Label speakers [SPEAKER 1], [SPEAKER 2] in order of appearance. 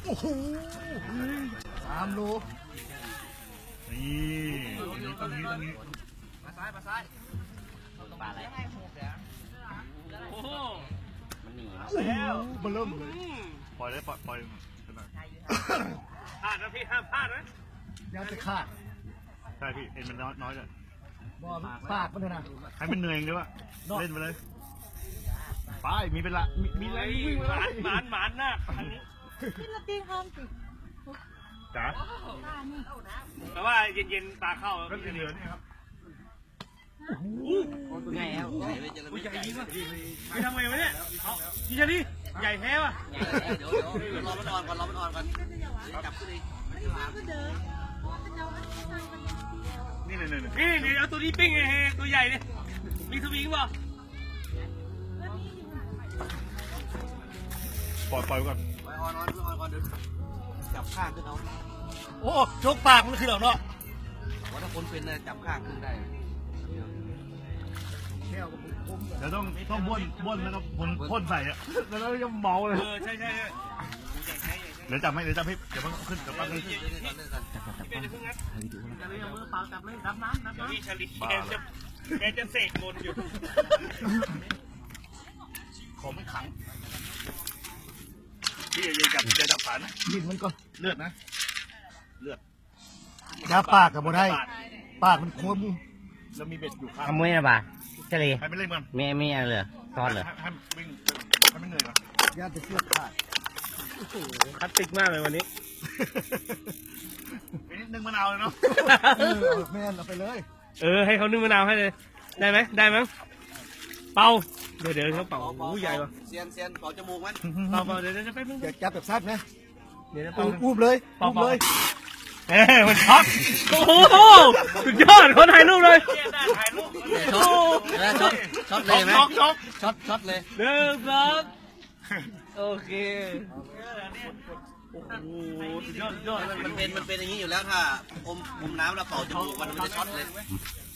[SPEAKER 1] อ้โห3 โล
[SPEAKER 2] นี่ตรงนี้
[SPEAKER 3] มาซ้ายปลาอะไรโอ้โหมันหนีแล้ว
[SPEAKER 1] เบลิ่มเลย
[SPEAKER 2] ปล่อยเลยปล่อย
[SPEAKER 3] พลาดนะพี่ห้ามพลาดนะ
[SPEAKER 1] ยังจะขาด
[SPEAKER 2] ใช่พี่เอ็นมันน้อยเลย
[SPEAKER 1] บ่ปากมันเลยนะ
[SPEAKER 2] ให้มันเหนื่อยด้วยวะเล่นไปเลยไปมีเป็นละมีอะไรวิ่งไป
[SPEAKER 3] หมานหน้าคันนี้
[SPEAKER 4] ขึ้นมาตีห้องสิ
[SPEAKER 2] จ๋า
[SPEAKER 3] แต่ว่าเย็นๆตาเข้า
[SPEAKER 2] ก็เหลือนี่ครับ
[SPEAKER 3] ใหญ่แล้วใหญ่จริงป่ะไปทำไงวะเนี่ยพี่ชาลีใหญ่แท้ป่ะเดี๋ยวรอมันอ่อนก่อนจับขึ้นเลย
[SPEAKER 4] ก็เดินเจ้าอันนี้มัน
[SPEAKER 3] นี่เอาตัวนี้ปิ้งไงตัวใหญ่เนี่ยมีสวิงป่ะ
[SPEAKER 2] ปล่อยก่อน
[SPEAKER 3] อ่อนเดี๋ยวจับข้างขึ้นเอา
[SPEAKER 1] โอ้ชกปากมันคือเราเนาะ
[SPEAKER 3] ว่าถ้าคนเป็นนะจับข้างขึ้นได้
[SPEAKER 1] แก้วกับผม
[SPEAKER 2] เดี๋ยวต้องบ้วนแล้วก็พ่นใส่อะแล้วก็เมาเลย
[SPEAKER 3] ใช่
[SPEAKER 2] เดี๋ยวจับให้เดี๋ยวมันขึ้นเดี๋ยวปั้งขึ้น
[SPEAKER 3] มือเปล่าจับเลยดับน้ำพี่ชาลีแกจะเสกมนอยู่
[SPEAKER 2] ขอไม่ขังพี่อย่าจับขานะ
[SPEAKER 1] ยินมันก่อน
[SPEAKER 2] เลือดนะเลือด
[SPEAKER 1] ยาปากกับบ่ได้ปากมันคม
[SPEAKER 2] แล้วมีเบ็ดอยู่ข้าง
[SPEAKER 5] ทำไมนะบ่าเฉลี่ย
[SPEAKER 2] ให้ไม่เล่นมัน
[SPEAKER 5] มีอะไรเหรอซอสเหรอ
[SPEAKER 2] ให้วิ่งให้ไม่เหนื่อยก่อน
[SPEAKER 1] ยาจะเชือกขาด
[SPEAKER 3] คลาสสิกมากเลยวันนี้
[SPEAKER 2] นิดนึงมะนาวเลยเนาะ
[SPEAKER 1] แม่นเอาไปเลย
[SPEAKER 3] ให้เขานึ่งมะนาวให้เลยได้ไหมเป่าเดี๋ยวเขาเป่าใหญ่ป่ะ
[SPEAKER 6] เซียนเป่าจมูกมัน
[SPEAKER 3] เป่าเดี๋ยวจะไปเพิ่ง
[SPEAKER 1] อย่าจับแบบซัดนะ
[SPEAKER 3] เดี๋ยวเป่า
[SPEAKER 1] อุ้มเลย
[SPEAKER 3] มันช็อตโอ้โหสุดยอดคนถ่ายรูปเลยถ่ายรูป
[SPEAKER 6] ช็อตเลยไหมช็อตเลย
[SPEAKER 3] หนึ่งสองโอเคโอ้โหสุดยอด
[SPEAKER 6] มันเป็นอย่างนี้อยู่แล้วถ้าอมน้ำแล้วเป่าจมูกมันจะช็อตเลย